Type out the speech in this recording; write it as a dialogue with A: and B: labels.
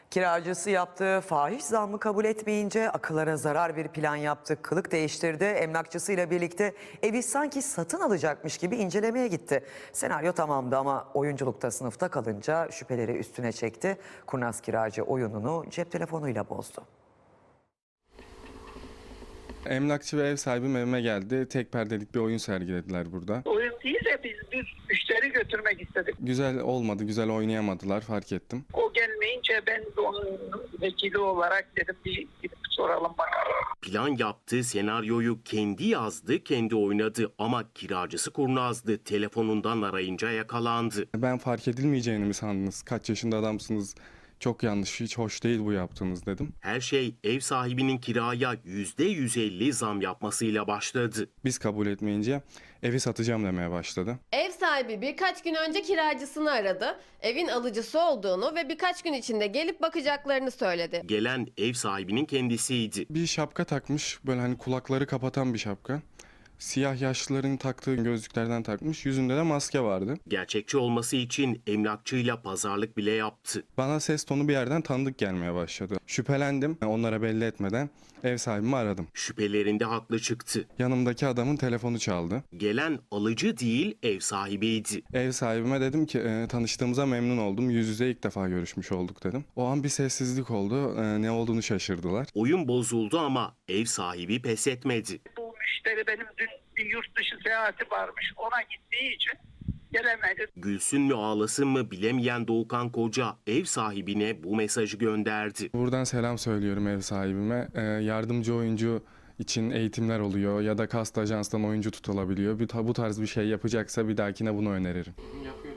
A: Kiracısı yaptığı fahiş zammı kabul etmeyince akıllara zarar bir plan yaptı. Kılık değiştirdi. Emlakçısıyla birlikte evi sanki satın alacakmış gibi incelemeye gitti. Senaryo tamamdı ama oyunculukta sınıfta kalınca şüpheleri üstüne çekti. Kurnaz kiracı oyununu cep telefonuyla bozdu.
B: Emlakçı ve ev sahibim evime geldi. Tek perdelik bir oyun sergilediler burada.
C: Oyun değil de biz bir müşteri götürmek istedik.
B: Güzel olmadı, güzel oynayamadılar, fark ettim.
C: O gelmeyince ben de onun vekili olarak dedim bir gidip soralım bakalım.
D: Plan yaptı, senaryoyu kendi yazdı, kendi oynadı ama kiracısı kurnazdı. Telefonundan arayınca yakalandı.
B: Ben fark edilmeyeceğini mi sandınız? Kaç yaşında adamsınız? Çok yanlış, hiç hoş değil bu yaptığınız dedim.
D: Her şey ev sahibinin kiraya %150 zam yapmasıyla başladı.
B: Biz kabul etmeyince evi satacağım demeye başladı.
E: Ev sahibi birkaç gün önce kiracısını aradı. Evin alıcısı olduğunu ve birkaç gün içinde gelip bakacaklarını söyledi.
D: Gelen ev sahibinin kendisiydi.
B: Bir şapka takmış, böyle hani kulakları kapatan bir şapka. Siyah yaşlıların taktığı gözlüklerden takmış, yüzünde de maske vardı.
D: Gerçekçi olması için emlakçıyla pazarlık bile yaptı.
B: Bana ses tonu bir yerden tanıdık gelmeye başladı. Şüphelendim, onlara belli etmeden ev sahibimi aradım.
D: Şüphelerinde haklı çıktı.
B: Yanımdaki adamın telefonu çaldı.
D: Gelen alıcı değil, ev sahibiydi.
B: Ev sahibime dedim ki tanıştığımıza memnun oldum. Yüz yüze ilk defa görüşmüş olduk dedim. O an bir sessizlik oldu. Ne olduğunu şaşırdılar.
D: Oyun bozuldu ama ev sahibi pes etmedi.
C: Bu müşteri benim dün bir yurt dışı seyahati varmış. Ona gittiği için gelemedi.
D: Gülsün mü ağlasın mı bilemeyen Doğukan Koca ev sahibine bu mesajı gönderdi.
B: Buradan selam söylüyorum ev sahibime. Yardımcı oyuncu için eğitimler oluyor ya da kast ajanstan oyuncu tutulabiliyor. Bu tarz bir şey yapacaksa bir dahakine bunu öneririm.